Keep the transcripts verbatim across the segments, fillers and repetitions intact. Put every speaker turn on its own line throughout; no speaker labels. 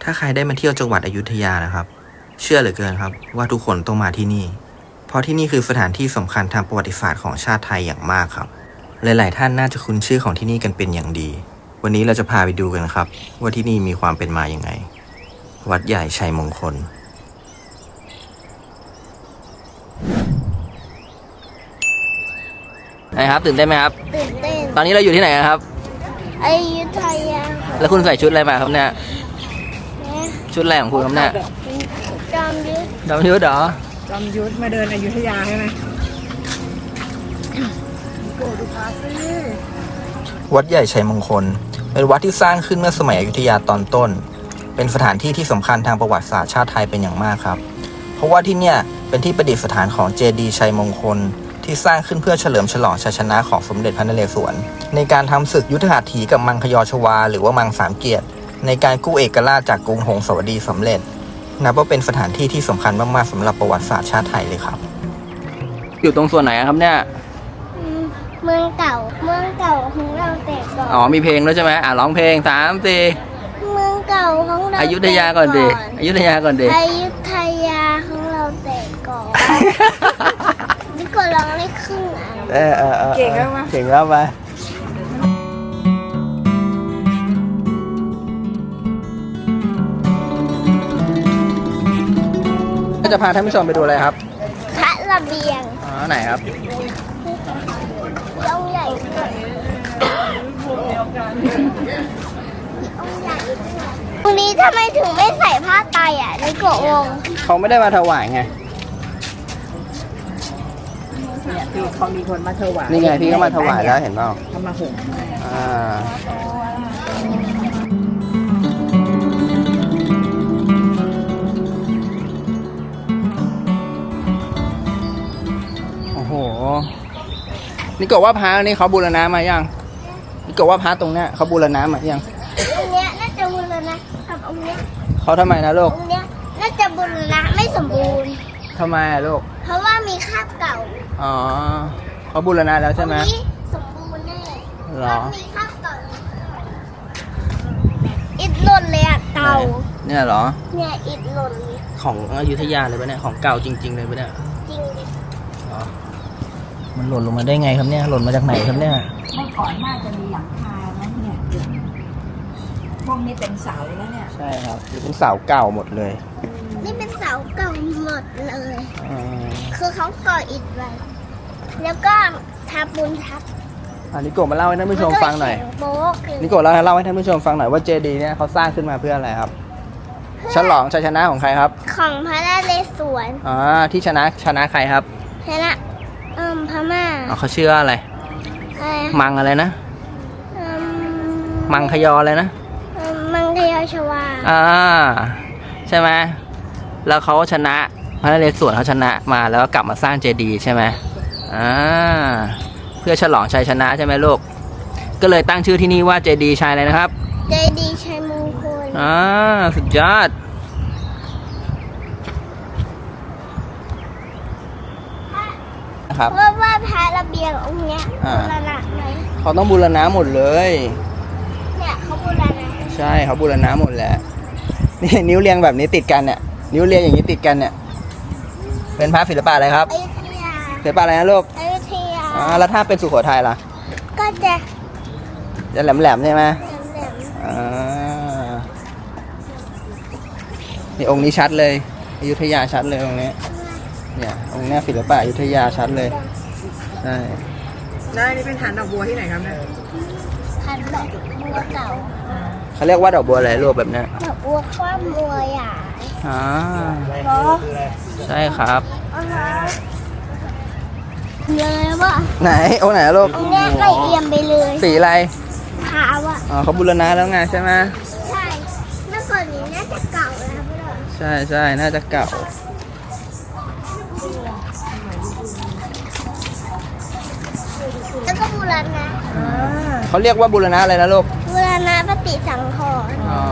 ถ้าใครได้มาเที่ยวจังหวัดอยุธยานะครับเชื่อเหลือเกินครับว่าทุกคนต้องมาที่นี่เพราะที่นี่คือสถานที่สำคัญทางประวัติศาสตร์ของชาติไทยอย่างมากครับหลายๆท่านน่าจะคุ้นชื่อของที่นี่กันเป็นอย่างดีวันนี้เราจะพาไปดูกันครับว่าที่นี่มีความเป็นมาอย่างไงวัดใหญ่ชัยมงคลไงครับตื่นเต้นไหมครับ
ตื่นเต้น
ตอนนี้เราอยู่ที่ไหนครับ
อยุธยา
แล้วคุณใส่ชุดอะไรมาครับเนี่ยชุดอะไรของคุณครับเนี่ย
จอมยุทธ
จอมยุทธเหรอ
จอมยุทธมาเดินอยุธยาใช่ไหมโกดูพาสิ
วัดใหญ่ชัยมงคลเป็นวัดที่สร้างขึ้นเมื่อสมัยอยุธยาตอนต้นเป็นสถานที่ที่สำคัญทางประวัติศาสตร์ชาติไทยเป็นอย่างมากครับเพราะว่าที่เนี่ยเป็นที่ประดิษฐานของเจดีย์ชัยมงคลที่สร้างขึ้นเพื่อเฉลิมฉลองชัยชนะของสมเด็จพระนเรศวรในการทำศึกยุทธหัตถีกับมังคยอชวาหรือว่ามังสามเกียรติในการกู้เอกราชจากกรุงหงสาวดีสำเร็จนับว่าเป็นสถานที่ที่สำคัญมากๆสำหรับประวัติศาสตร์ชาติไทยเลยครับอยู่ตรงส่วนไหนครับเนี่ย
เมืองเก่าเมืองเก่าของเราแต่ก่อน
อ๋อมีเพลงแล้วใช่ไหมอ่ะร้องเพลงสามสี่
เมืองเก่าของเรา
อยุธยาก่อนดิอยุธยาก่อนดิ
อยุธยาของเราแต่ก่อนนี่ก็ร้องได้ครึ่งอ่ะ
เออเออเก่งแล้วมาเก่งแล้วมาก็จะพาท่านผู้ชมไปดูอะไรครับ
พระระเบียง
อ๋อไหนครับ
องค์ใหญ่องค์ใหญ่วันนี้ทำไมถึงไม่ใส่ผ้าไตรอ่ะในกวง
เขาไม่ได้มาถวายไง
เนี่ยพี่เขามีคนมาถวาย
นี่ไงพี่ก็มาถวายแล้วเห็นเปล่า
เขามาห่ม
อ่าโอ้โหนี่ก็ว่าพระนี่เขาบูรณะมายังนี่ก็ว่าพระตรงเนี้ยเขาบูรณะมายัง
องค์เนี้ยน่าจะบูรณะกับองค์เนี้ย
เขาทำไมนะลูก
องค์เนี้ยน่าจะบูรณะไม่สมบูรณ์
ทำไมอะลูก
เพราะว่ามีคราบเก่า
อ๋อเขาบูรณะแล้วใช่ไหม
องค์นี้สมบูรณ์แน่
หรอ
มีคราบเก่าอิฐหล่นเลยอะเก่า
เนี่ยเหรอ
เนี่ยอิฐหล่น
ของอยุธยาเลยปะเนี่ยของเก่าจริงๆเลยปะเนี่ย
จริงดิ
อ๋อมันหล่นลงมาได้ไงครับเนี่ยหล่นมาจากไหนครับเนี่ย
เมื่อก่อนน่าจะมีหลังคานะเนี่ยพวกนี้เป็นเสาแล้วเนี่ย
ใช่ครับเป็นเสาเก่าหมดเลย
นี่เป็นเสาเก่าหมดเลยคือเขาก่ออิฐไว้แล้วก็ทับปูนทับ
อันนี้โกมาเล่าให้ท่านผู้ชมฟังหน่อยนี่โกเล่าเล่าให้ท่านผู้ชมฟังหน่อยว่าเจดีย์เนี่ยเขาสร้างขึ้นมาเพื่ออะไรครับฉลองชัยชนะของใครครับ
ของพระนเรศวร
อ๋อที่ชนะชนะใครครับ
ชนะเอ่อพม่า
อ๋อเขาชื่ออะไรมังอะไรนะมังคยออะไรนะ
มังคยอชวา
อ่าใช่ไหมแล้วเขาชนะพระนเรศวรเขาชนะมาแล้วก็กลับมาสร้างเจดีย์ใช่ไหมอ่าเพื่อฉลองชัยชนะใช่ไหมลูกก็เลยตั้งชื่อที่นี่ว่าเจดีย์ชัยอะไรนะครับ
เจดีย์ชัยมงคล
อ่าสุดยอด
ครับว่าว่าพระระเบียงองค์เนี้ยบูรณะไหม
เขาต้องบูรณะหมดเลย
เนี่ยเขาบูรณะ
ใช่เขาบูรณะหมดแหละนี่นิ้วเรียงแบบนี้ติดกันเนี่ยนิ้วเรียงอย่างนี้ติดกันเนี่ยเป็นพระศิลปะอะไรครับ
อยุธยา
ศิลปะอะไรนะลูก
อยุธยา
อ่าแล้วถ้าเป็นสุโขทัยล่ะ
ก็จะ
จะแหลมๆใช่ไหม
แหลม
อ่านี่องค์นี้ชัดเลยอยุธยาชัดเลยองค์นี้เนี่ยองค์นี้ศิลปะอยุธยาชัดเลยใช่
แล้วนี่เป็นฐานดอกบัวที่ไหนครับเนี่ย
ฐานดอกบัวเก่า
เขาเรียกว่าดอกบัวอะไรรูปแบบนี้
ดอกบัวคว่ำบัวใหญ่
อ๋อใช่ครับ
เลยว่า
ไหนองค์ไหนลูก
องค์นี้ใกล้เอี่ยมไปเลย
สีอะไร
ขาวอ่ะ
อ๋อเขาบูรณะแล้วไงใช่ไหม
ใช่เมื่อก่อนนี้น่าจะเก่าแล้วพ่อ
ใช่ใช่น่าจะเก่า
แล้วก็บูรณะ
เขาเรียกว่าบูรณะอะไรนะลูก
บูรณะปฏิสังขรณ์อ๋อ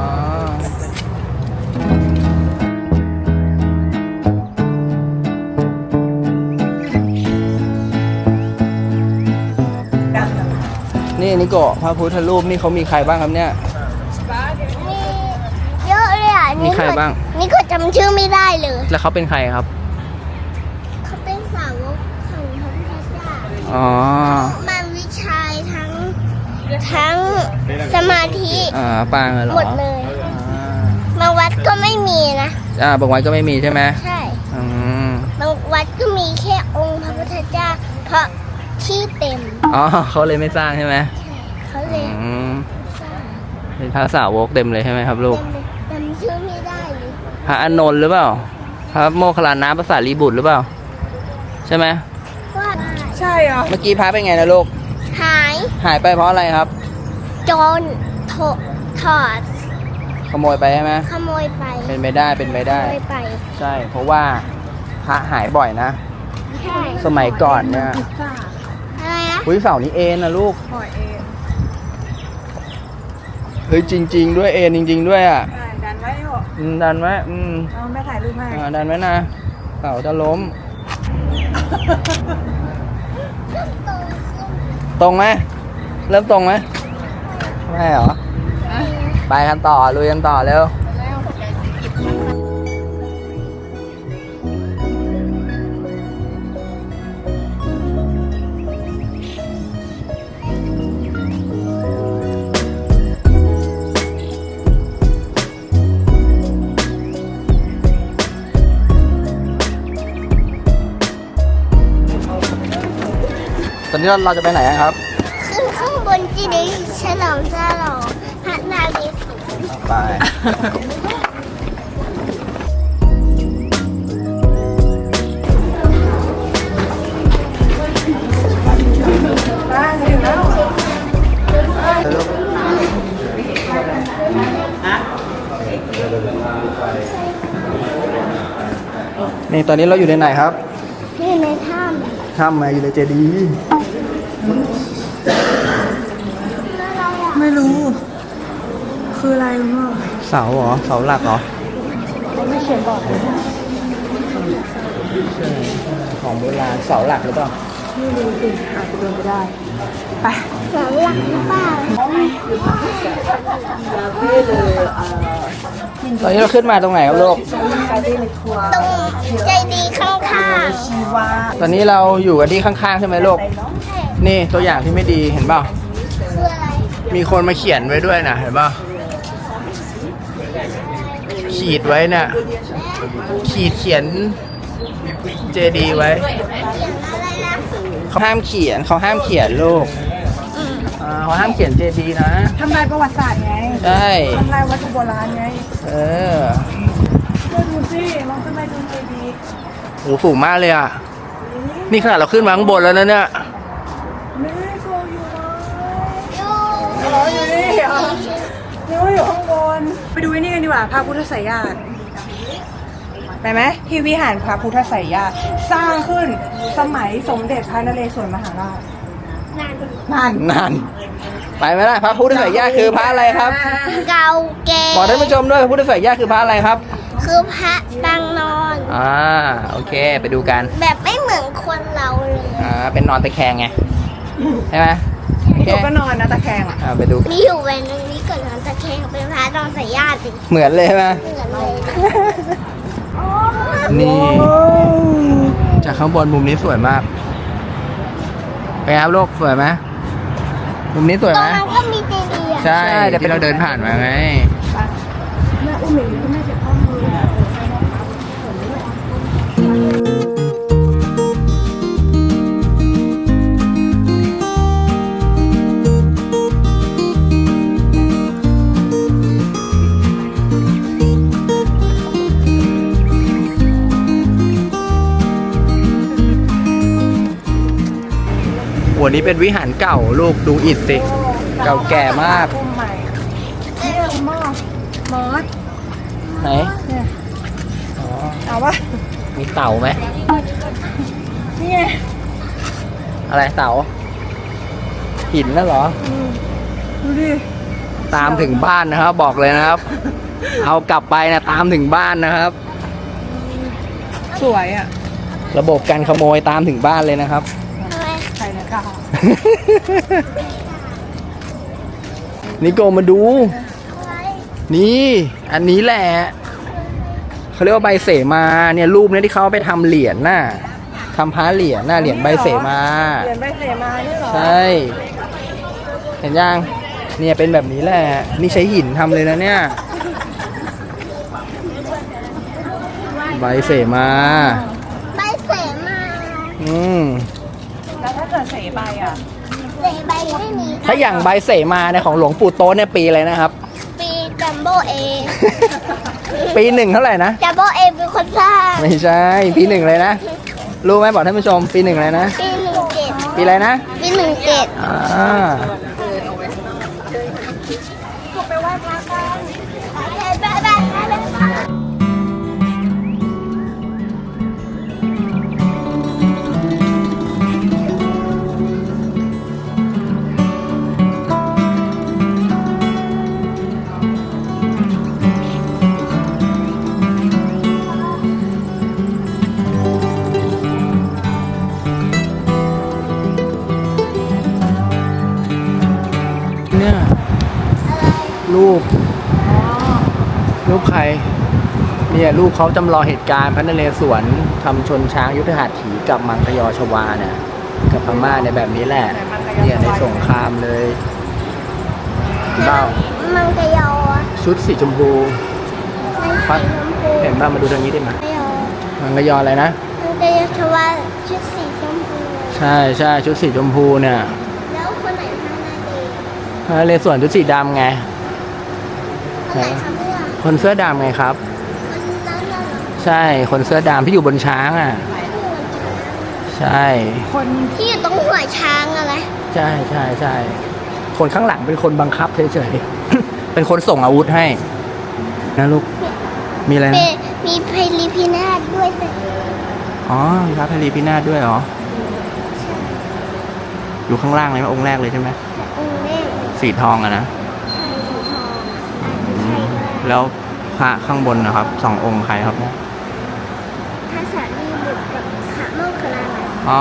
นี่นิโกะพระพุทธรูปนี่เขามีใครบ้างครับเนี่ย
มีเยอะเลยอ่ะ
มีใครบ้าง
นี่ก็จำชื่อไม่ได้เลย
แล้วเขาเป็นใครครับ
เขาเป็นสาวกของพระพุทธเจ้า
อ๋อ
มันวิชัยทั้งทั้งสมาธิ
อ่าปางเหรอ
หมดเลย
อ่า
บางวัดก็ไม่มีนะ
อ่าบางวันก็ไม่มีใช่ไหม
ใช่
อืม
บางวัดก็มีแค่องค์พระพุทธเจ้า เพราะที่เต็ม
อ๋อเขาเลยไม่สร้างใช่ไหม
ใช่เขาเลย
อืม
สร้าง
เป็นพระสาวกเต็มเลยใช่ไหมครับลูก
เต็มเลยจำชื่อไม่ได้เลย
พระอานนท์หรือเปล่า พระโมคคัลลานะภาษาลีบุตรหรือเปล่า ใช่ไหม
ว่า
ใช่เหรอ
เมื่อกี้พระเป็นไงนะลูก
หาย
หายไปเพราะอะไรครับ
โจรถอถอด
ขโมยไปใช่ไหม
ขโมยไป
เป็นไปได้เป็นไป
ข
ได้
โมยไป
ใช่ เพราะว่าพระหายบ่อยนะ
ใช่
สมัยก่อนเนี่ย
อะไรนะ
อุ้ยเสานี้เอ็นนะลูก
ปล่อยเอง
เฮ้ยจริง ๆ ด้วยเอ็นจริง ๆ ด้วยอ่ะ
ได้ดันไว้เหรอ
อืมดันไว้อืม
เอาแม่ถ่ายรูปให้
อ่าดันไว้นะเสาจะล้ม ตรงไหมเริ่มตรงไหมไม่เหรอ ไปกันต่อลุยกันต่อเร็ว ตอนนี้เราเราจะไปไหนกันครับ
ขึ้นข้างบนจีดีย์ฉลองฉลองพระนารีศวร
ไป
ได้ถึงแล้ว
นี่ตอนนี้เราอยู่ในไหนครับ
นี่ในถ้
ถ้ำมาอยู่ในเจดีย์
ำแล้วเราอยาก
ไม่รู้ คืออะไรคุณพ่อ
เสาเหรอ เสาหลักเหรอ
ไม่เขียนบอกเลย
ใช่ของโบราณเสาหลักหรือเปล่า
ไม่รู้สิอาจจะเป็นไปได้ ไป
เสาหลักหรือเปล่า
ตอนนี้เราขึ้นมาตรงไหนครับลูก
ตรงใจดีย์ข้าง
ตอนนี้เราอยู่กันที่ข้างๆใช่ไหมลูก
ๆใช่
นี่ตัวอย่างที่ไม่ดีเห็นเปล่า
คืออะไร
มีคนมาเขียนไว้ด้วยนะเห็นเปล่าขีดไว้เนี่ยขีดเขียนเจดีไว้
เขียนอะไรนะ
เขาห้ามเขียนเขาห้ามเขียนลูกอ่าเขาห้ามเขียนเจดีนะ
ทำลายประวัติศาสตร์ไง
ใช่
ทำลายวัตถุโบราณไง
เออ
เพื่อดูสิลองขึ้นไปดูเจดีย์
โหสูงมากเลยอ่ะ นี่ขนาดเราขึ้นมาข้างบนแล้วนะเนี่ย
ไม่โกอยู่เลย
อยู่
อ๋ออยู่นี่เหรอนึกว่าอยู่ข้างบน ไปดูไอ้นี่กันดีกว่าพระพุทธไสยญาณไปไหมที่วิหารพระพุทธไสยญาณสร้างขึ้นสมัยสมเด็จพระนเรศวรมหาราช
นั่น
นั่น
นั่น ไปไหมล่ะพระพุทธไสยญาณคือพระอะไรครับ
เก่าแก่
บอกท่านผู้ชมด้วยพระพุทธไสยญาณคือพระอะไรครับ
คือพระปางนอน
อ่าโอเคไปดูกัน
แบบไม่เหมือนคนเราเลย
อ่าเป็นนอนตะแคงไงใช่ไหมโอเค
หนูก็นอนนะตะแคงอ่ะ
อ่าไปดู
มีอยู่แหวนหนึงนี้เกิดนอนตะแคงเป็นพระนอนสายญาติ
เหมือนเลยใช่ไหม
เหมือนเลย
นี่จากข้างบนมุมนี้สวยมากเป็นไงครับลูกสวยไหมมุมนี้สวย
ตร
ไหม
งนั้นก็มีเจดีย์อ่ะ
ใช่ที่เราเดินผ่านมาไง
แม่อุ้มหนูแม่เจ็บข้อมือ
วันนี้เป็นวิหารเก่าลูกดูอิฐสิ เก่าแก่มาก
อุ้มใหม่เนี่ยคุณพ่อมอส
ไหน
เนี่ย
อ๋อ
เอาวะ
มีเต่าไหม
นี่ไง
อะไรเต่า หินน่ะเหรอ
อืมดูดิ
ตามถึงบ้านนะครับ บอกเลยนะครับ เอากลับไปนะตามถึงบ้านนะครับ
สวยอ่ะ
ระบบการขโมยตามถึงบ้านเลยนะครับ
ทำไม
ใครนะกา
นิโกมาดู
อะไร
นี่ อันนี้แหละเขาเรียกว่าใบเสมาเนี่ยรูปเนี่ยที่เขาเอาไปทำเหรียญน่ะทำพระเหรียญน่ะเหรียญใบเสมา
เหรียญใบเสมานี่เหรอ
ใช่เห็นยังเนี่ยเป็นแบบนี้แหละนี่ใช้หินทำเลยนะเนี่ยใบเสมา
ใบเสมา
อืม
แล้วถ้าเกิดเสใบอ่ะ
เสใบไม่มี
ถ้าอย่างใบเสมาเนี่ยของหลวงปู่โตะเนี่ยปีอะไรนะครับ
ปีจัมโบเอ
ปีหนึ่งเท่าไหร่นะ
จัมโบเอเป็นคนสร้าง
ไม่ใช่ปีหนึ่งเลยนะรู้ไหมบอกท่านผู้ชมปีหนึ่งเลยนะ
ปีหนึ่งเจ็ด
ปีอะไรนะ
ปีหนึ่งเจ็ด
อ่า
ไปไหว้พระกัน
ไปไปไปไป
เนี่ยรูปรูปใครเนี่ยรูปเขาจำลองเหตุการณ์พระนเรศวรทำชนช้างยุทธหัตถีกับมังคยอชวาเนี่ยกับพม่าในแบบนี้แหละเนี่ยในสงครามเลยเบ้า
มังกรยอ
ชุดสีชมพู
ในสีชมพู
เห็นบ้ามาดูทางนี้ได้ไหม
มังกรยอ
มังคยออะไรนะ
มังกรยอชวาชุดสีชมพู
ใช่ใช่ชุดสีชมพูเนี่ย
แล้วคนไหนทำหน้าดี
พระนเรศวรชุดสีดำไง
คนไหนทำเรื่อง
คนเสื้อดำไงครับ
คนนั้นน่ะเหรอ
ใช่คนเสื้อดำที่อยู่บนช้างอ่ะ ใช่
คน
ที่อยู่ตรงหัวช้างอะไร
ใช่ใช่ใช่คนข้างหลังเป็นคนบังคับเฉยๆ เป็นคนส่งอาวุธให้นะลูกมีอะไร
เป็
นะ
นมีไพลิพินาศด้วยแต่
อ๋อมีพระพลีพินาศด้วยเหรออยู่ข้างล่างเลยไหมองค์แรกเลยใช่ไหม
องค์แรก
สีทองอะนะ
ใช่สีทอง
อืมแล้วพระข้างบนนะครับสององค์ใครครับ
ภาษาลีบุตรกับขะโมกขลา
อ๋อ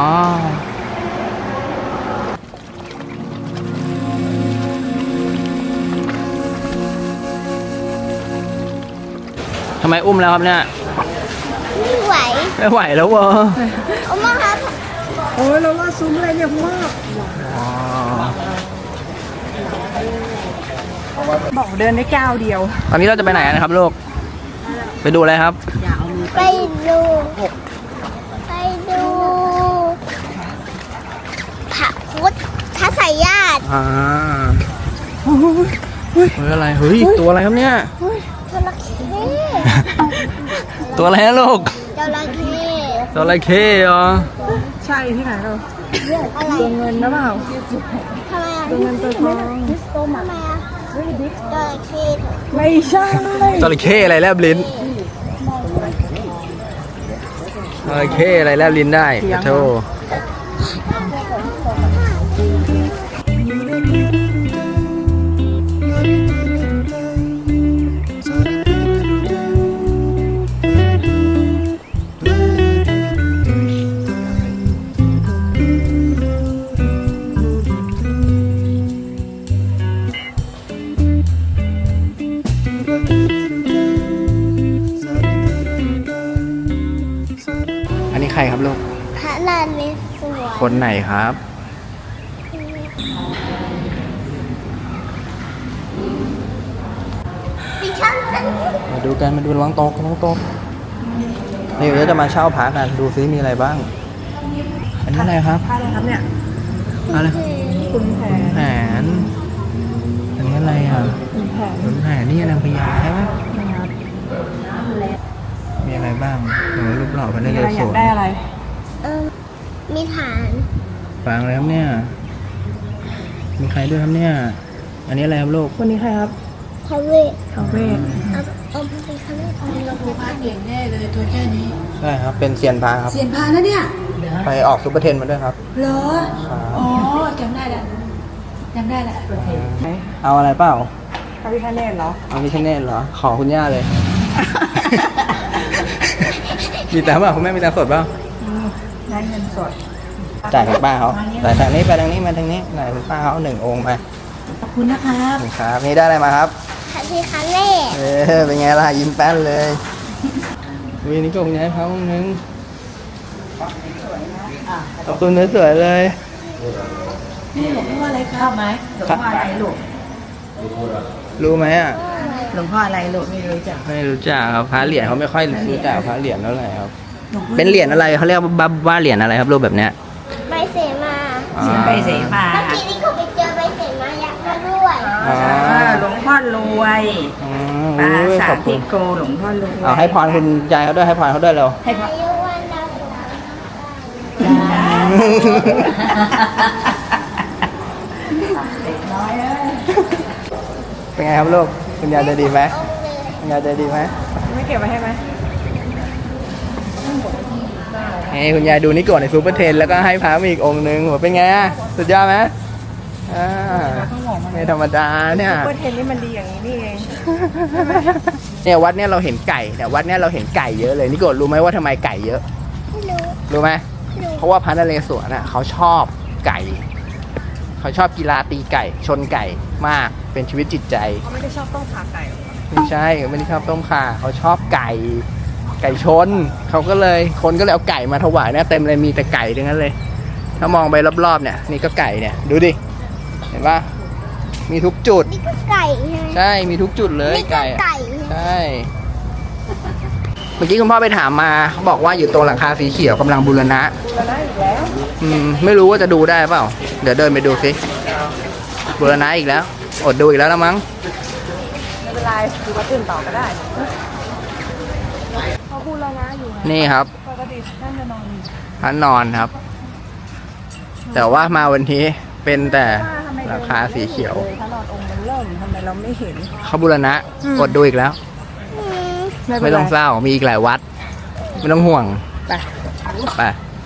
ทำไมอุ้มแล้วครับเนี่ย
ไม่ไหว
ไม่ไหวแล้ววะ
เอามาครับ
โอ้ยเราล่าซุ้มอะไรเนี่ยมาก
อ๋อ
บอกเดินได้ก้าวเดียว
ตอนนี้เราจะไปไหนกันนะครับลูกไปดูอะไรครับ
ไปดูไปดูพระพุทธไสยญาติ
อ่าเฮ้ยอะไรเฮ้ยตัวอะไรครับเนี่ย
จระเข้
ตัวอะไรนะลูก
จระเข้
ตัวอะไรเข้เหรอ
ใช่ที่ไหนเรา
อะไร
ตัวเงินนะเปล่า
ทำไมอ่ะ
ตัวเงินตัวทอง
ทำไมอ่ะจระเข้
ไม่ใช่
จระเข้อะไรแลบลิ้นจระเข้อะไรแลบลิ้นได้ขอโทษอันนี้ใครครับลูก
พระนเรศวร
คนไหนครับ
ดิฉันเป็น
มาดูกันมาดูระวังตกระวังตกนี่เดี๋ยวจะมาเช่าพระกันดูซิมีอะไรบ้าง อันนี้อะไรครับ
ผ้าอะไรครับเนี่ย
อะไร
คุณแผน
แผนอันนี้อะไรอ่ะ
คุณแผน
ขุนแผนนี่นางพญาใช่ไหม
นะครับ
มีอะไรบ้างหนูรูปหล่อพระน
มี
เร
อะไร
ศ
อยาก
วร
ได้อะไร
เออมีฐาน
ฟังเลยครับเนี่ย มีใครด้วยครับเนี่ย อันนี้อะไรครับลูก
คนนี้ใครครับ
พระเวท
ทาวเวศ
เอาเอาไปเป็นคำว่าพระเวท
เราครูพาเก่งแน่เลยตัวแค่นี้
ใช่ครับ เป็นเซียนพระครับ
เสียนพานะเนี่ย
ไปออกซุปเปอร์เทนมาด้วยครับ
เหรอ
ครับ
อ๋อจำได้แล้วจำได้แล้ว
ไหน
เอาอะไรเปล่า
พระพิฆเนศเหรอ
เอาพิคเนตเหรอ ขอคุณย่าเลย มีแต่เปล่าคุณแม่มีแต่สดเปล่า
ได้เงินสด
จ่ายคุณป้าเขาแต่ทางนี้ไปทางนี้มาทางนี้ไหนคุณป้าเขาหนึ่งองค์มา
ขอบคุณนะครับ
ครับ นี่ได้อะไรมาครับ
พระพิฆเนศ
เออเป็นไงล่ะยิ้มแป้นเลยวีนี่ก็คุณยายพักนึงขอบคุณสวยๆเลย
นี่หลวงพ่ออะไรครับไหมหลวงพ่ออะไรลูก
รู้ไหมอ่ะ
หลวงพ่ออะไรลูกไม่รู้จัก
ไม่รู้จักครับพระเหรียญเขาไม่ค่อยรู้จักพระเหรียญเท่าไหร่ครับ
หลวงพ่อ
เป็นเหรียญอะไรเขาเรียกว่าว่าเหรียญอะไรครับรูปแบบเนี้ย
ใบเสมา
อ่า
ไปเสมา
เมื่อกี้นี่เขาไปเจอใบเสมายักษ์มาด้วย
อ๋อ
หลวงพ่อรวย
อ๋อ
ปรา
อุ้ย
สา
ข
ท
อบคุ
ทิ
ณ
โกหลวงพ่อรวย
เอาให้พรคุณยายเขาด้วยให้พรเขาด้วยเร็ว
ให้พ่อ
อายุวันดาวสุข
เป็นไงครับลูกคุณยายใจดีไหม
องค์เลย
คุณยายใจดีไหม
ไม่เก็บไว้ให้ไหม
นี่คุณยายดูนี่ก่อนในซูเปอร์เทนแล้วก็ให้พระมาอีกองค์นึงโหเป็นไงอ่ะสุดยอดไหมอ่าไม่ธรรมดาเนี่ย
เปิดเทนนี่มันดีอย่างนี้นี่เอง
เนี่ยวัดเนี่ยเราเห็นไก่แต่วัดเนี่ยเราเห็นไก่เยอะเลยนี่โกรธรู้ไหมว่าทำไมไก่เยอะ
ไม่รู้
รู้ไหม
ไม่รู้
เพราะว่าพระนเรศวรน่ะเขาชอบไก่ เขาชอบกีฬาตีไก่ ชนไก่มากเป็นชีวิตจิตใจ
เขาไม่ได้ชอบต้มขาไก่หรอ
ไม่ใช่ไม่ได้ชอบต้มข่าเขาชอบไก่ ไก่ชนเขาก็เลยคนก็เลยเอาไก่มาถวายเนี่ยเต็มเลยมีแต่ไก่ทั้งนั้นเลย ถ้ามองไปรอบๆเนี่ยนี่ก็ไก่เนี่ยดูดิเห็นปะมีทุกจุด
นี่ก็ไก่ใช่ไหม
ใช่มีทุกจุดเลย
นี่ก็
ไก่อะ
ไก่ใช่ไหม
ใช่เมื่อกี้คุณพ่อไปถามมาเขาบอกว่าอยู่ตรงหลังคาสีเขียวกำลังบูรณะ
แล้วได้อีกแล้ว
อืมไม่รู้ว่าจะดูได้เปล่า เดี๋ยวเดินไปดูสิบูรณะอีกแล้ว อดดูอีกแล้วละมั้ง
ไม่เป็นไรดูมาตื่นต่อก็ได้เขาพูดแล้วนะอยู่
นี่ครับ
ปกติท่านจะนอนอยู่
พระนอนครับ แต่ว่ามาวันนี้เป็นแต่
ว่าทำไม
หลังคาสีเขียว
ถ้านอนองค์มันเริ่มทำไมเราไม่เห็น
เขาบูรณะ
อืม
อดดูอีกแล้ว
อืม
ไม่ต้องเศร้ามีอีกหลายวัด ไม่ต้องห่วง
ไป
ไป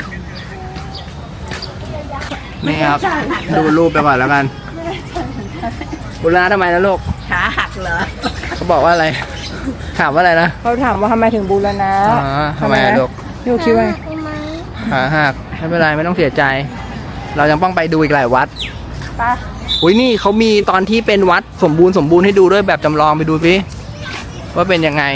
นี่ครับ ดูรูปไปก่อนแล้วกันบูรณะทำไมนะลูก
ขาหักเหรอ
เขาบอกว่าอะไร ถามว่าอะไรนะ
เขาถามว่าทำไมถึงบูรณะ
อ๋อทำไมอะลูก
ยูคิดว่าไง
ทำไม
ขาหักไม่เป็นไรไม่ต้องเสียใจ เรายังต้องไปดูอีกหลายวัด
ไป
อุ้ยนี่เขามีตอนที่เป็นวัดสมบูรณ์สมบูรณ์ให้ดูด้วยแบบจำลองไปดูสิว่าเป็นยังไง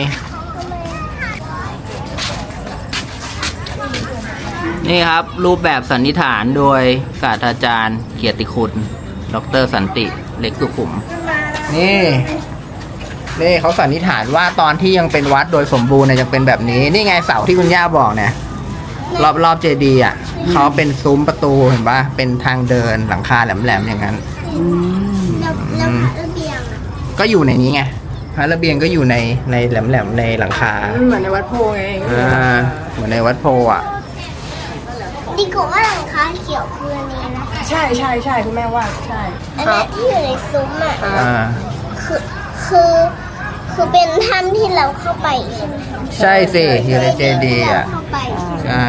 นี่ครับ รูปแบบสันนิษฐานโดยศาสตราจารย์เกียรติคุณ ดรสันติเล็กสุขุม นี่ นี่เขาสันนิษฐานว่าตอนที่ยังเป็นวัดโดยสมบูรณ์เนี่ยยังเป็นแบบนี้ นี่ไงเสาที่คุณย่าบอกเนี่ย รอบรอบเจดีย์อ่ะเขาเป็นซุ้มประตูเห็นปะเป็นทางเดินหลังคาแหลมๆอย่างนั้น
แล้วแล้วพระระเบียงอะ
ก็อยู่ในนี้ไงพระระเบียงก็อยู่ในในแหลมๆในหลังคา
มันเหมือนในวัดโพไง
อ่าเหมือนในวัดโพอ่ะ
ดีกว่าว่าหลังคาเขียวคืออันนี้นะ
ใช่ใช่ใช่คุณแม่ว่าใช่
อันเนี้ยที่อยู่ในซุ้มอ่ะ
อ่า
คือคือคือเป็นถ้ำที่เราเข้าไปใช่ไหมคะ
ใช่สิอยู่ในเจดีย์อ่ะ
ที่เราเข้าไปใช่ไหม
ใช่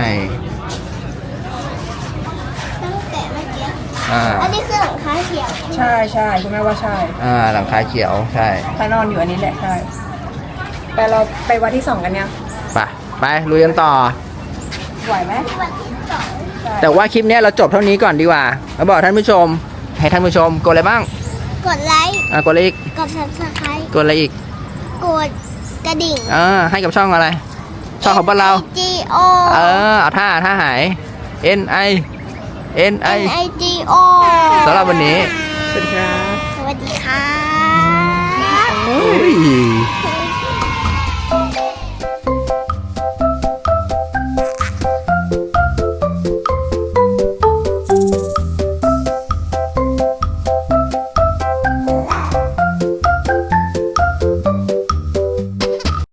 ตั้งแต่เมื่อกี้
อ่า
อันนี้คือหลังคาเขียว
ใช่ใช่คุณแม่ว่าใช่
อ่าหลังคาเขียวใช่
ไปนอนอยู่อันนี้แหละใช่ไปเราไปวัดที่สองกันยัง
ไปไปลุยกันต่อ
ไหวไหม
วันที่สอง
แต่ว่าคลิปเนี้ยเราจบเท่านี้ก่อนดีกว่าแล้วบอกท่านผู้ชม ให้ท่านผู้ชมกดอะไรบ้าง
กดไลค์
อ่ากดอะไรอีก
กด subscribe
กดอะไรอีก
กดกระดิ่ง
อ่าให้กับช่องอะไร ช่องของพวกเรา
G O
เออเอาท่าท่าหาย N I N I
N I G O
สำหรับวันนี้
สวัสดีครับ
สวัสดีค่ะ
อุ้ย